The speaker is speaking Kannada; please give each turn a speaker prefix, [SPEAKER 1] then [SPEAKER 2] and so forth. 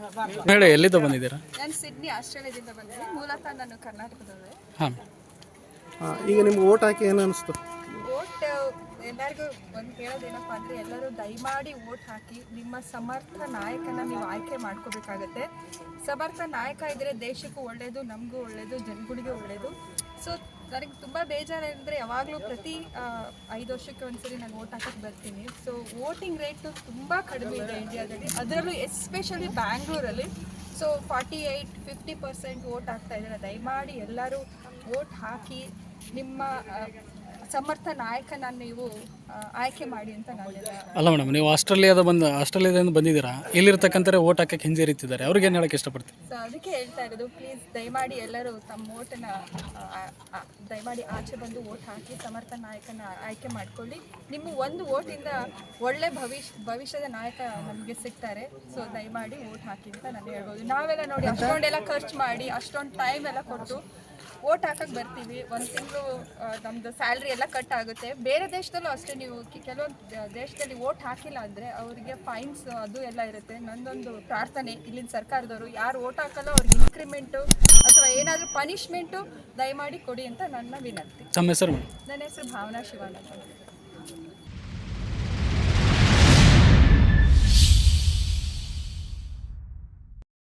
[SPEAKER 1] ಹೇಳಿ, ಎಲ್ಲಿಂದ ಬಂದಿದ್ದೀರಾ?
[SPEAKER 2] ನಾನು ಸಿಡ್ನಿ ಆಸ್ಟ್ರೇಲಿಯಾದಿಂದ ಬಂದಿದ್ದೀನಿ. ಮೂಲತಃ ನಾನು ಕರ್ನಾಟಕದವಳೆ.
[SPEAKER 1] ಹಾಂ.
[SPEAKER 3] ಈಗ ನಿಮ್ಗೆ ಓಟ್ ಹಾಕಿ ಏನು ಅನಿಸ್ತು?
[SPEAKER 2] ಓಟ್ ಎಲ್ಲರಿಗೂ ಒಂದು ಹೇಳೋದೇನಪ್ಪ ಅಂದರೆ, ಎಲ್ಲರೂ ದಯಮಾಡಿ ಓಟ್ ಹಾಕಿ. ನಿಮ್ಮ ಸಮರ್ಥ ನಾಯಕನ ನೀವು ಆಯ್ಕೆ ಮಾಡ್ಕೋಬೇಕಾಗತ್ತೆ. ಸಮರ್ಥ ನಾಯಕ ಇದ್ದರೆ ದೇಶಕ್ಕೂ ಒಳ್ಳೆಯದು, ನಮಗೂ ಒಳ್ಳೆಯದು, ಜನಗಳಿಗೂ ಒಳ್ಳೆಯದು. ಸೊ ನನಗೆ ತುಂಬ ಬೇಜಾರಂದರೆ, ಯಾವಾಗಲೂ ಪ್ರತಿ 5 ವರ್ಷಕ್ಕೆ ಒಂದ್ಸರಿ ನಾನು ಓಟ್ ಹಾಕಕ್ಕೆ ಬರ್ತೀನಿ. ಸೊ ವೋಟಿಂಗ್ ರೇಟು ತುಂಬ ಕಡಿಮೆ ಇದೆ ಇಂಡಿಯಾದಲ್ಲಿ, ಅದರಲ್ಲೂ ಎಸ್ಪೆಷಲಿ ಬ್ಯಾಂಗ್ಳೂರಲ್ಲಿ. ಸೊ 48-50% ವೋಟ್ ಆಗ್ತಾ ಇದ್ದಾರೆ. ದಯಮಾಡಿ ಎಲ್ಲರೂ ವೋಟ್ ಹಾಕಿ ನಿಮ್ಮ ಸಮರ್ಥ ನಾಯಕನ ನೀವು ಆಯ್ಕೆ ಮಾಡಿ ಅಂತ ನಾನೆಲ್ಲ.
[SPEAKER 1] ಅಲ್ಲ ಮೇಡಮ್, ನೀವು ಆಸ್ಟ್ರೇಲಿಯಾದಿಂದ ಬಂದಿದ್ದೀರಾ. ಇಲ್ಲಿರ್ತಕ್ಕಂಥ ಓಟ್ ಹಾಕಕ್ಕೆ ಹಿಂಜರಿತಿದ್ದಾರೆ, ಅವ್ರಿಗೆ ಏನು ಹೇಳಕ್ಕೆ ಇಷ್ಟಪಡ್ತೀವಿ?
[SPEAKER 2] ಸೊ ಅದಕ್ಕೆ ಹೇಳ್ತಾ ಇರೋದು, ಪ್ಲೀಸ್ ದಯಮಾಡಿ ಎಲ್ಲರೂ ತಮ್ಮ ಓಟನ್ನ ದಯಮಾಡಿ ಆಚೆ ಬಂದು ವೋಟ್ ಹಾಕಿ ಸಮರ್ಥ ನಾಯಕನ ಆಯ್ಕೆ ಮಾಡ್ಕೊಳ್ಳಿ. ನಿಮ್ಮ ಒಂದು ವೋಟಿಂದ ಒಳ್ಳೆ ಭವಿಷ್ಯದ ನಾಯಕ ನಮಗೆ ಸಿಗ್ತಾರೆ. ಸೊ ದಯಮಾಡಿ ವೋಟ್ ಹಾಕಿ ಅಂತ ನಾನು ಹೇಳ್ಬೋದು. ನಾವೆಲ್ಲ ನೋಡಿ ಅಷ್ಟೊಂದೆಲ್ಲ ಖರ್ಚು ಮಾಡಿ, ಅಷ್ಟೊಂದು ಟೈಮ್ ಎಲ್ಲ ಕೊಟ್ಟು ವೋಟ್ ಹಾಕಕ್ಕೆ ಬರ್ತೀವಿ. ಒಂದು ತಿಂಗಳು ನಮ್ಮದು ಸ್ಯಾಲ್ರಿ ಎಲ್ಲ ಕಟ್ ಆಗುತ್ತೆ. ಬೇರೆ ದೇಶದಲ್ಲೂ ಅಷ್ಟೇ, ನೀವು ಕೆಲವೊಂದು ದೇಶದಲ್ಲಿ ವೋಟ್ ಹಾಕಿಲ್ಲ ಅಂದರೆ ಅವರಿಗೆ ಫೈನ್ಸ್ ಅದು ಎಲ್ಲ ಇರುತ್ತೆ. ನನ್ನೊಂದು ಪ್ರಾರ್ಥನೆ, ಇಲ್ಲಿನ ಸರ್ಕಾರದವರು ಯಾರು ವೋಟ್ ಹಾಕಲ್ಲ ಅವ್ರಿಗೆ ಇನ್ಕ್ರಿಮೆಂಟು ಅಥವಾ ಏನಾದರೂ ಪನಿಷ್ಮೆಂಟು ದಯಮಾಡಿ ಕೊಡಿ ಅಂತ ನನ್ನ ವಿನಂತಿ.
[SPEAKER 1] ತಮ್ಮ ಹೆಸರು?
[SPEAKER 2] ನನ್ನ ಹೆಸರು ಭಾವನಾ ಶಿವಾನಂದ.